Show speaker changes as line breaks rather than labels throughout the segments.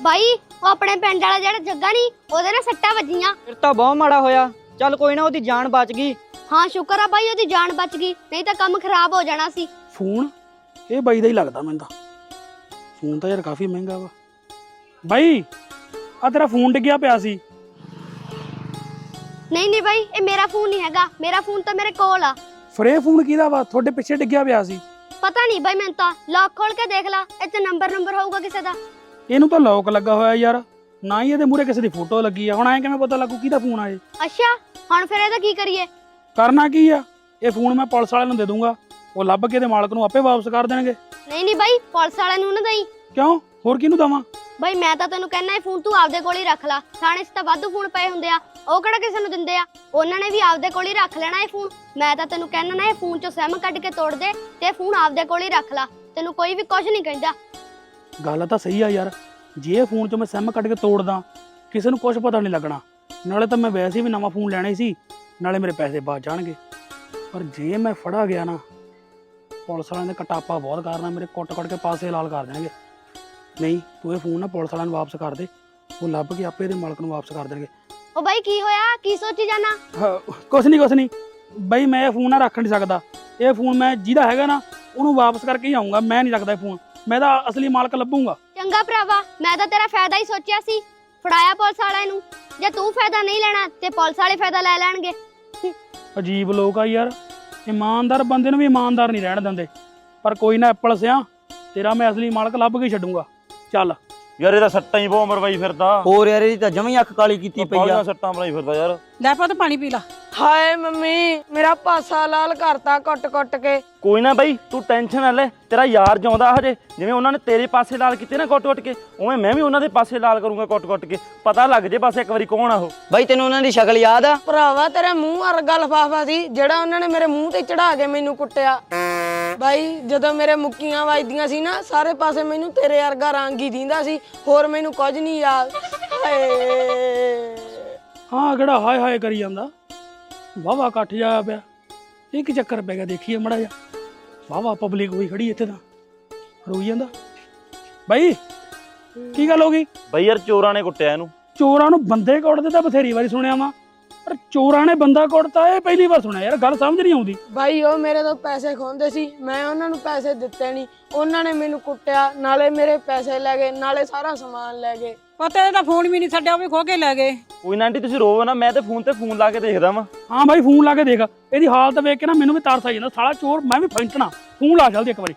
भाई वो अपने पिंड वाला जेड़ा जग्गा नहीं ओदे ना सट्टा वजियां।
फिर तो बहुत माड़ा होया। चल कोई ना, ओदी जान बच गई।
हाँ शुक्र है भाई ओदी जान बच गई, नहीं तो काम खराब हो जाना सी।
फोन ਇਹ ਬਾਈ ਦਾ ਹੀ ਲੱਗਦਾ ਮੈਨੂੰ ਤਾਂ। ਫੋਨ ਤਾਂ ਯਾਰ ਕਾਫੀ ਮਹਿੰਗਾ ਵਾ। ਬਾਈ ਆ ਤੇਰਾ ਫੋਨ ਡਿੱਗਿਆ ਪਿਆ ਸੀ।
नहीं नहीं भाई ये मेरा फोन नहीं हैगा, मेरा फोन तो मेरे कोल आ।
ਫਿਰ ਇਹ ਫੋਨ ਕਿਹਦਾ ਵਾ? ਤੁਹਾਡੇ ਪਿੱਛੇ ਡਿੱਗਿਆ ਪਿਆ ਸੀ।
पता नहीं भाई मैं तो लॉक खोल के देख ला, इत्ते नंबर होगा किसी दा।
ਇਹਨੂੰ ਤਾਂ ਲੌਕ ਲੱਗਾ ਹੋਇਆ ਯਾਰ, ਨਾ ਹੀ ਇਹਦੇ ਮੂਹਰੇ ਕਿਸੇ ਦੀ ਫੋਟੋ ਲੱਗੀ ਆ। ਹੁਣ ਐਂ ਕਿਵੇਂ ਪਤਾ ਲੱਗੂ ਕਿਹਦਾ ਫੋਨ ਆ ਇਹ?
अच्छा हुण फिर ਇਹਦਾ ਕੀ ਕਰੀਏ?
ਕਰਨਾ ਕੀ ਆ, ਇਹ ਫੋਨ ਮੈਂ ਪੁਲਿਸ ਵਾਲਿਆਂ ਨੂੰ ਦੇ ਦੂੰਗਾ, ਉਹ ਲੱਭ ਕੇ ਇਹਦੇ ਮਾਲਕ ਨੂੰ ਆਪੇ ਵਾਪਸ ਕਰ ਦੇਣਗੇ।
नहीं नहीं भाई पुलिस वाले ਨੂੰ ਨਾ ਦਈ।
ਕਿਉਂ, ਹੋਰ ਕਿਹਨੂੰ ਦਵਾਂ?
भाई मैं तो तेनू कहना है फोन तू आपदे कोल ही रख ला, थाने 'ਚ ਤਾਂ ਵਾਧੂ ਫੋਨ ਪਏ ਹੁੰਦੇ ਆ, ਉਹ ਕਿਹੜਾ ਕਿਸੇ ਨੂੰ ਦਿੰਦੇ ਆ, ਉਹਨਾਂ ਨੇ ਵੀ ਆਪਦੇ ਕੋਲ ਹੀ ਰੱਖ ਲੈਣਾ ਇਹ ਫੋਨ। ਮੈਂ ਤਾਂ ਤੈਨੂੰ ਕਹਿਣਾ ਨਾ ਇਹ ਫੋਨ 'ਚੋਂ ਸਿਮ ਕੱਢ ਕੇ ਤੋੜ ਦੇ ਤੇ ਫੋਨ ਆਪਦੇ ਕੋਲ ਹੀ ਰੱਖ ਲਾ, ਤੈਨੂੰ ਕੋਈ ਵੀ ਕੁਝ ਨਹੀਂ ਕਹਿੰਦਾ।
ਗੱਲ ਤਾਂ ਸਹੀ ਆ ਯਾਰ, ਜੇ ਇਹ ਫੋਨ 'ਚੋਂ ਮੈਂ ਸਿਮ ਕੱਢ ਕੇ ਤੋੜਦਾ ਕਿਸੇ ਨੂੰ ਕੁਝ ਪਤਾ ਨਹੀਂ ਲੱਗਣਾ। ਨਾਲੇ ਤਾਂ ਮੈਂ ਵੈਸੇ ਵੀ ਨਵਾਂ ਫੋਨ ਲੈਣਾ ਸੀ, ਨਾਲੇ ਮੇਰੇ ਪੈਸੇ ਬਚ ਜਾਣਗੇ। ਪਰ ਜੇ ਮੈਂ ਫੜਾ ਗਿਆ ਨਾ, ਪੁਲਿਸ ਵਾਲਿਆਂ ਨੇ ਕਟਾਪਾ ਬਹੁਤ ਕਰਨਾ, ਮੇਰੇ ਕੁੱਟ-ਕੁੱਟ ਕੇ ਪਾਸੇ ਲਾਲ ਕਰ ਦੇਣਗੇ। ਨਹੀਂ ਤੂੰ ਇਹ ਫੋਨ ਨਾ ਪੁਲਿਸ ਵਾਲਿਆਂ ਨੂੰ ਵਾਪਸ ਕਰ ਦੇ, ਉਹ ਲੱਭ ਕੇ ਆਪੇ ਇਹਦੇ ਮਾਲਕ ਨੂੰ ਵਾਪਸ ਕਰ ਦੇਣਗੇ।
ਉਹ ਬਾਈ ਕੀ ਹੋਇਆ, ਕੀ ਸੋਚੀ ਜਾਣਾ?
ਕੁਛ ਨਹੀਂ ਬਈ, ਮੈਂ ਇਹ ਫੋਨ ਨਾ ਰੱਖ ਨਹੀਂ ਸਕਦਾ। ਇਹ ਫੋਨ ਮੈਂ ਜਿਹਦਾ ਹੈਗਾ ਨਾ ਉਹਨੂੰ ਵਾਪਸ ਕਰਕੇ ਹੀ ਆਊਂਗਾ। ਮੈਂ ਨਹੀਂ ਰੱਖਦਾ ਇਹ ਫੋਨ, ਮੈਂ ਤਾਂ ਅਸਲੀ ਮਾਲਕ ਲੱਭੂੰਗਾ।
ਚੰਗਾ ਭਰਾਵਾ, ਮੈਂ ਤਾਂ ਤੇਰਾ ਫਾਇਦਾ ਹੀ ਸੋਚਿਆ ਸੀ, ਫੜਾਇਆ ਪੁਲਿਸ ਵਾਲਿਆਂ ਨੂੰ। ਜੇ ਤੂੰ ਫਾਇਦਾ ਨਹੀਂ ਲੈਣਾ ਤੇ ਪੁਲਿਸ ਵਾਲੇ ਫਾਇਦਾ ਲੈ ਲੈਣਗੇ।
ਅਜੀਬ ਲੋਕ ਆ ਯਾਰ, ਇਮਾਨਦਾਰ ਬੰਦੇ ਨੂੰ ਵੀ ਇਮਾਨਦਾਰ ਨਹੀਂ ਰਹਿਣ ਦਿੰਦੇ। ਪਰ ਕੋਈ ਨਾ ਐਪਲ ਸਿਆ, ਤੇਰਾ ਮੈਂ ਅਸਲੀ ਮਾਲਕ ਲੱਭ ਕੇ ਛੱਡੂੰਗਾ। ਚੱਲ
ਯਾਰ ਇਹਦਾ ਸੱਟਾਂ ਹੀ ਬਹੁਤ ਮਰਵਾਈ ਫਿਰਦਾ।
ਹੋਰ ਯਾਰ ਇਹਦੀ ਤਾਂ ਜਮੀ ਅੱਖ ਕਾਲੀ ਕੀਤੀ ਪਈ ਆ।
ਸੱਟਾਂ ਮਰਾਈ ਫਿਰਦਾ ਯਾਰ।
ਲੈ ਪੁੱਤ ਪਾਣੀ ਪੀ ਲਾ।
ਹਾਏ ਮੰਮੀ ਮੇਰਾ ਪਾਸਾ ਲਾਲ ਕਰਤਾ ਕੁੱਟ ਕੇ।
ਕੋਈ ਨਾ ਬਾਈ ਤੂੰ ਟੈਨਸ਼ਨ ਨਾ ਲੈ, ਤੇਰਾ ਯਾਰ ਜਿਉਂਦਾ ਹਜੇ। ਜਿਵੇਂ ਉਹਨਾਂ ਨੇ ਤੇਰੇ ਪਾਸੇ ਲਾਲ ਕੀਤੇ ਨਾ ਕੁੱਟ-ਕੁੱਟ ਕੇ, ਉਵੇਂ ਮੈਂ ਵੀ ਉਹਨਾਂ ਦੇ ਪਾਸੇ ਲਾਲ ਕਰੂੰਗਾ ਕੁੱਟ-ਕੁੱਟ ਕੇ। ਪਤਾ ਲੱਗ ਜੇ ਬਸ ਇੱਕ ਵਾਰੀ ਕੌਣ ਆ ਉਹ।
ਬਾਈ ਤੈਨੂੰ ਉਹਨਾਂ ਦੀ ਸ਼ਕਲ ਯਾਦ ਆ?
ਭਰਾਵਾ ਤੇਰੇ ਮੂੰਹ ਵਰਗਾ ਲਿਫਾਫਾ ਸੀ ਜਿਹੜਾ ਉਹਨਾਂ ਨੇ ਮੇਰੇ ਮੂੰਹ ਤੇ ਚੜਾ ਕੇ ਮੈਨੂੰ ਕੁੱਟਿਆ। ਬਾਈ ਜਦੋਂ ਮੇਰੇ ਮੁੱਕੀਆਂ ਵੱਜਦੀਆਂ ਸੀ ਨਾ, ਸਾਰੇ ਪਾਸੇ ਮੈਨੂੰ ਤੇਰੇ ਵਰਗਾ ਰੰਗ ਹੀ ਦਿੰਦਾ ਸੀ, ਹੋਰ ਮੈਨੂੰ ਕੁਝ ਨਹੀਂ ਯਾਦ। ਹਾਏ
ਹਾਂ, ਕਿਹੜਾ ਹਾਏ ਹਾਏ ਕਰੀ ਜਾਂਦਾ। ਵਾਹਵਾ ਇਕੱਠ ਜਾਇਆ ਪਿਆ, ਇਹ ਕੀ ਚੱਕਰ ਪੈ ਗਿਆ? ਦੇਖੀਏ ਮੜਾ ਜਾ, ਵਾਹਵਾ ਪਬਲਿਕ ਹੋਈ ਖੜੀ ਇੱਥੇ, ਤਾਂ ਰੋਈ ਜਾਂਦਾ। ਬਾਈ ਕੀ ਗੱਲ ਹੋ ਗਈ?
ਬਾਈ ਯਾਰ ਚੋਰਾਂ ਨੇ ਕੁੱਟਿਆ ਇਹਨੂੰ।
ਚੋਰਾਂ ਨੂੰ ਬੰਦੇ ਕੁੱਟਦੇ ਤਾਂ ਬਥੇਰੀ ਵਾਰੀ ਸੁਣਿਆ ਵਾ, ਪਰ ਚੋਰਾਂ ਨੇ ਬੰਦਾ ਕੁੱਟਤਾ ਇਹ ਪਹਿਲੀ ਵਾਰ ਸੁਣਿਆ ਯਾਰ। ਗੱਲ ਸਮਝ ਨਹੀਂ ਆਉਂਦੀ।
ਬਾਈ ਉਹ ਮੇਰੇ ਤੋਂ ਪੈਸੇ ਖੋਹਦੇ ਸੀ, ਮੈਂ ਉਹਨਾਂ ਨੂੰ ਪੈਸੇ ਦਿੱਤੇ ਨਹੀਂ, ਉਹਨਾਂ ਨੇ ਮੈਨੂੰ ਕੁੱਟਿਆ, ਨਾਲੇ ਮੇਰੇ ਪੈਸੇ ਲੈ ਗਏ, ਨਾਲੇ ਸਾਰਾ ਸਮਾਨ ਲੈ ਗਏ।
ਪੁੱਤ ਇਹਦਾ ਫੋਨ ਵੀ ਨਹੀਂ ਛੱਡਿਆ, ਉਹ ਵੀ ਖੋ ਕੇ ਲੈ ਗਏ।
ਕੋਈ ਨਾ ਆਂਟੀ ਤੁਸੀਂ ਰੋਵੋ ਨਾ, ਮੈਂ ਤੇ ਫੋਨ ਲਾ ਕੇ ਦੇਖਦਾ ਵਾਂ।
ਹਾਂ ਬਾਈ ਫੋਨ ਲਾ ਕੇ ਦੇਖ, ਇਹਦੀ ਹਾਲਤ ਵੇਖ ਕੇ ਨਾ ਮੈਨੂੰ ਵੀ ਤਰਸ ਆ ਜਾਂਦਾ। ਸਾਲਾ ਚੋਰ, ਮੈਂ ਵੀ ਫੈਂਟਣਾ। ਫੋਨ ਲਾ ਜਲਦੀ ਇੱਕ ਵਾਰੀ।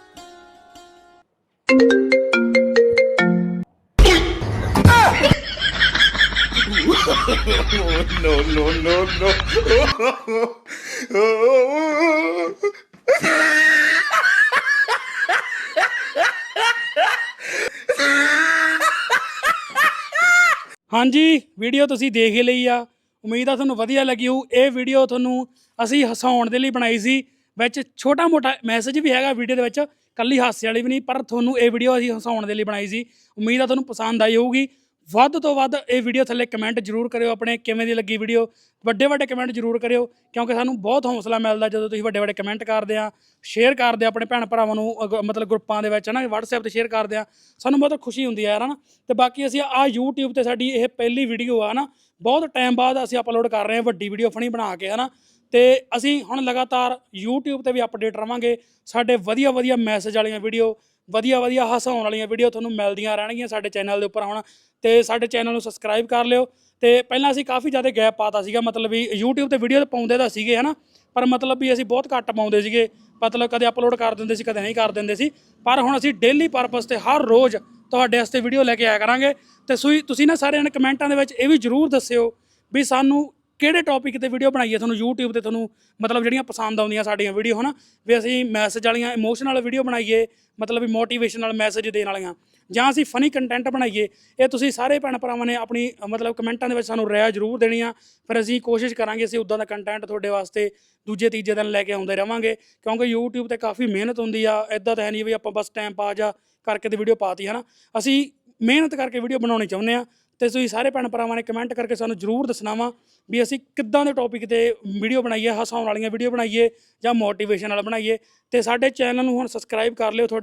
ਹਾਂਜੀ ਵੀਡੀਓ ਤੁਸੀਂ ਦੇਖ ਹੀ ਲਈ ਆ, ਉਮੀਦ ਆ ਤੁਹਾਨੂੰ ਵਧੀਆ ਲੱਗੀ ਹੋਊ। ਇਹ ਵੀਡੀਓ ਤੁਹਾਨੂੰ ਅਸੀਂ ਹਸਾਉਣ ਦੇ ਲਈ ਬਣਾਈ ਸੀ, ਵਿੱਚ ਛੋਟਾ ਮੋਟਾ ਮੈਸੇਜ ਵੀ ਹੈਗਾ ਵੀਡੀਓ ਦੇ ਵਿੱਚ, ਕੱਲੀ ਹਾਸੇ ਵਾਲੀ ਵੀ ਨਹੀਂ, ਪਰ ਤੁਹਾਨੂੰ ਇਹ ਵੀਡੀਓ ਅਸੀਂ ਹਸਾਉਣ ਦੇ ਲਈ ਬਣਾਈ ਸੀ। ਉਮੀਦ ਆ ਤੁਹਾਨੂੰ ਪਸੰਦ ਆਈ ਹੋਊਗੀ। ਵੱਧ ਤੋਂ ਵੱਧ ਇਹ ਵੀਡੀਓ ਥੱਲੇ ਕਮੈਂਟ ਜ਼ਰੂਰ ਕਰਿਓ ਆਪਣੇ, ਕਿਵੇਂ ਦੀ ਲੱਗੀ ਵੀਡੀਓ। ਵੱਡੇ ਕਮੈਂਟ ਜ਼ਰੂਰ ਕਰਿਓ, ਕਿਉਂਕਿ ਸਾਨੂੰ ਬਹੁਤ ਹੌਸਲਾ ਮਿਲਦਾ ਜਦੋਂ ਤੁਸੀਂ ਵੱਡੇ ਕਮੈਂਟ ਕਰਦੇ ਆ, ਸ਼ੇਅਰ ਕਰਦੇ ਆ ਆਪਣੇ ਭੈਣ ਭਰਾਵਾਂ ਨੂੰ, ਮਤਲਬ ਗਰੁੱਪਾਂ ਦੇ ਵਿੱਚ ਹੈ ਨਾ, WhatsApp 'ਤੇ ਸ਼ੇਅਰ ਕਰਦੇ ਆ, ਸਾਨੂੰ ਬਹੁਤ ਖੁਸ਼ੀ ਹੁੰਦੀ ਹੈ ਯਾਰ, ਹੈ ਨਾ। ਅਤੇ ਬਾਕੀ ਅਸੀਂ ਆ YouTube 'ਤੇ ਸਾਡੀ ਇਹ ਪਹਿਲੀ ਵੀਡੀਓ ਆ ਨਾ, ਬਹੁਤ ਟਾਈਮ ਬਾਅਦ ਅਸੀਂ ਅਪਲੋਡ ਕਰ ਰਹੇ ਹਾਂ ਵੱਡੀ ਵੀਡੀਓ ਫਨੀ ਬਣਾ ਕੇ, ਹੈ ਨਾ। ਅਤੇ ਅਸੀਂ ਹੁਣ ਲਗਾਤਾਰ YouTube 'ਤੇ ਵੀ ਅਪਡੇਟ ਰਹਾਂਗੇ। ਸਾਡੇ ਵਧੀਆ ਮੈਸੇਜ ਵਾਲੀਆਂ ਵੀਡੀਓ, ਵਧੀਆ ਹਸਾਉਣ ਵਾਲੀਆਂ ਵੀਡੀਓ ਤੁਹਾਨੂੰ ਮਿਲਦੀਆਂ ਰਹਿਣਗੀਆਂ ਸਾਡੇ ਚੈਨਲ ਦੇ ਉੱਪਰ ਹੁਣ। ਅਤੇ ਸਾਡੇ ਚੈਨਲ ਨੂੰ ਸਬਸਕ੍ਰਾਈਬ ਕਰ ਲਿਓ। ਅਤੇ ਪਹਿਲਾਂ ਅਸੀਂ ਕਾਫੀ ਜ਼ਿਆਦਾ ਗੈਪ ਪਾਤਾ ਸੀਗਾ, ਮਤਲਬ ਵੀ YouTube 'ਤੇ ਵੀਡੀਓ ਪਾਉਂਦੇ ਤਾਂ ਸੀਗੇ, ਹੈ ਨਾ, ਪਰ ਮਤਲਬ ਵੀ ਅਸੀਂ ਬਹੁਤ ਘੱਟ ਪਾਉਂਦੇ ਸੀਗੇ, ਮਤਲਬ ਕਦੇ ਅਪਲੋਡ ਕਰ ਦਿੰਦੇ ਸੀ, ਕਦੇ ਨਹੀਂ ਕਰ ਦਿੰਦੇ ਸੀ। ਪਰ ਹੁਣ ਅਸੀਂ ਡੇਲੀ ਪਰਪਸ 'ਤੇ ਹਰ ਰੋਜ਼ ਤੁਹਾਡੇ ਵਾਸਤੇ ਵੀਡੀਓ ਲੈ ਕੇ ਆਇਆ ਕਰਾਂਗੇ। ਅਤੇ ਤੁਸੀਂ ਨਾ ਸਾਰਿਆਂ ਨੇ ਕਮੈਂਟਾਂ ਦੇ ਵਿੱਚ ਇਹ ਵੀ ਜ਼ਰੂਰ ਦੱਸਿਓ ਵੀ ਸਾਨੂੰ ਕਿਹੜੇ ਟੌਪਿਕ 'ਤੇ ਵੀਡੀਓ ਬਣਾਈਏ, ਤੁਹਾਨੂੰ YouTube 'ਤੇ ਤੁਹਾਨੂੰ ਮਤਲਬ ਜਿਹੜੀਆਂ ਪਸੰਦ ਆਉਂਦੀਆਂ ਸਾਡੀਆਂ ਵੀਡੀਓ, ਹੈ ਨਾ, ਵੀ ਅਸੀਂ ਮੈਸੇਜ ਵਾਲੀਆਂ ਇਮੋਸ਼ਨਲ ਵੀਡੀਓ ਬਣਾਈਏ, ਮਤਲਬ ਵੀ ਮੋਟੀਵੇਸ਼ਨਲ ਮੈਸੇਜ ਦੇਣ ਵਾਲੀਆਂ, ਜਾਂ ਅਸੀਂ ਫਨੀ ਕੰਟੈਂਟ ਬਣਾਈਏ। ਇਹ ਤੁਸੀਂ ਸਾਰੇ ਭੈਣ ਭਰਾਵਾਂ ਨੇ ਆਪਣੀ ਮਤਲਬ ਕਮੈਂਟਾਂ ਦੇ ਵਿੱਚ ਸਾਨੂੰ ਰਾਏ ਜ਼ਰੂਰ ਦੇਣੀ ਆ। ਫਿਰ ਅਸੀਂ ਕੋਸ਼ਿਸ਼ ਕਰਾਂਗੇ ਅਸੀਂ ਉੱਦਾਂ ਦਾ ਕੰਟੈਂਟ ਤੁਹਾਡੇ ਵਾਸਤੇ ਦੂਜੇ ਤੀਜੇ ਦਿਨ ਲੈ ਕੇ ਆਉਂਦੇ ਰਹਾਂਗੇ, ਕਿਉਂਕਿ YouTube 'ਤੇ ਕਾਫੀ ਮਿਹਨਤ ਹੁੰਦੀ ਆ। ਇੱਦਾਂ ਤਾਂ ਹੈ ਨਹੀਂ ਵੀ ਆਪਾਂ ਬਸ ਟਾਈਮ ਪਾਸ ਜਾਂ ਕਰਕੇ ਤੇ ਵੀਡੀਓ ਪਾਤੀ, ਹੈ ਨਾ। ਅਸੀਂ ਮਿਹਨਤ ਕਰਕੇ ਵੀਡੀਓ ਬਣਾਉਣੀ ਚਾਹੁੰਦੇ ਹਾਂ। ਅਤੇ ਤੁਸੀਂ ਸਾਰੇ ਭੈਣ ਭਰਾਵਾਂ ਨੇ ਕਮੈਂਟ ਕਰਕੇ ਸਾਨੂੰ ਜ਼ਰੂਰ ਦੱਸਣਾ ਵਾ ਵੀ ਅਸੀਂ ਕਿੱਦਾਂ ਦੇ ਟੌਪਿਕ 'ਤੇ ਵੀਡੀਓ ਬਣਾਈਏ, ਹਸਾਉਣ ਵਾਲੀਆਂ ਵੀਡੀਓ ਬਣਾਈਏ ਜਾਂ ਮੋਟੀਵੇਸ਼ਨ ਵਾਲਾ ਬਣਾਈਏ। ਅਤੇ ਸਾਡੇ ਚੈਨਲ ਨੂੰ ਹੁਣ ਸਬਸਕ੍ਰਾਈਬ ਕਰ ਲਿਓ, ਤੁਹਾਡੀ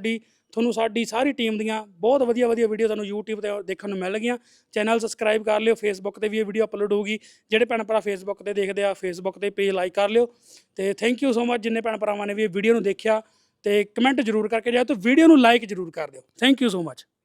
ਤੁਹਾਨੂੰ ਸਾਡੀ ਸਾਰੀ ਟੀਮ ਦੀਆਂ ਬਹੁਤ ਵਧੀਆ ਵੀਡੀਓ ਤੁਹਾਨੂੰ YouTube ਤੇ ਦੇਖਣ ਨੂੰ ਮਿਲ ਗਈਆਂ। ਚੈਨਲ ਸਬਸਕ੍ਰਾਈਬ ਕਰ ਲਿਓ। ਫੇਸਬੁੱਕ ਤੇ ਵੀ ਇਹ ਵੀਡੀਓ ਅਪਲੋਡ ਹੋਊਗੀ। ਜਿਹੜੇ ਭੈਣ ਭਰਾ ਫੇਸਬੁੱਕ ਤੇ ਦੇਖਦੇ ਆ ਫੇਸਬੁੱਕ ਤੇ ਪੇਜ ਲਾਈਕ ਕਰ ਲਿਓ। ਤੇ ਥੈਂਕ ਯੂ ਸੋ ਮਚ ਜਿੰਨੇ ਭੈਣ ਭਰਾਵਾਂ ਨੇ ਵੀ ਇਹ ਵੀਡੀਓ ਨੂੰ ਦੇਖਿਆ ਤੇ ਕਮੈਂਟ ਜ਼ਰੂਰ ਕਰਕੇ ਜਾਓ ਤੇ ਵੀਡੀਓ ਨੂੰ ਲਾਈਕ ਜ਼ਰੂਰ ਕਰ ਦਿਓ। Thank you so much.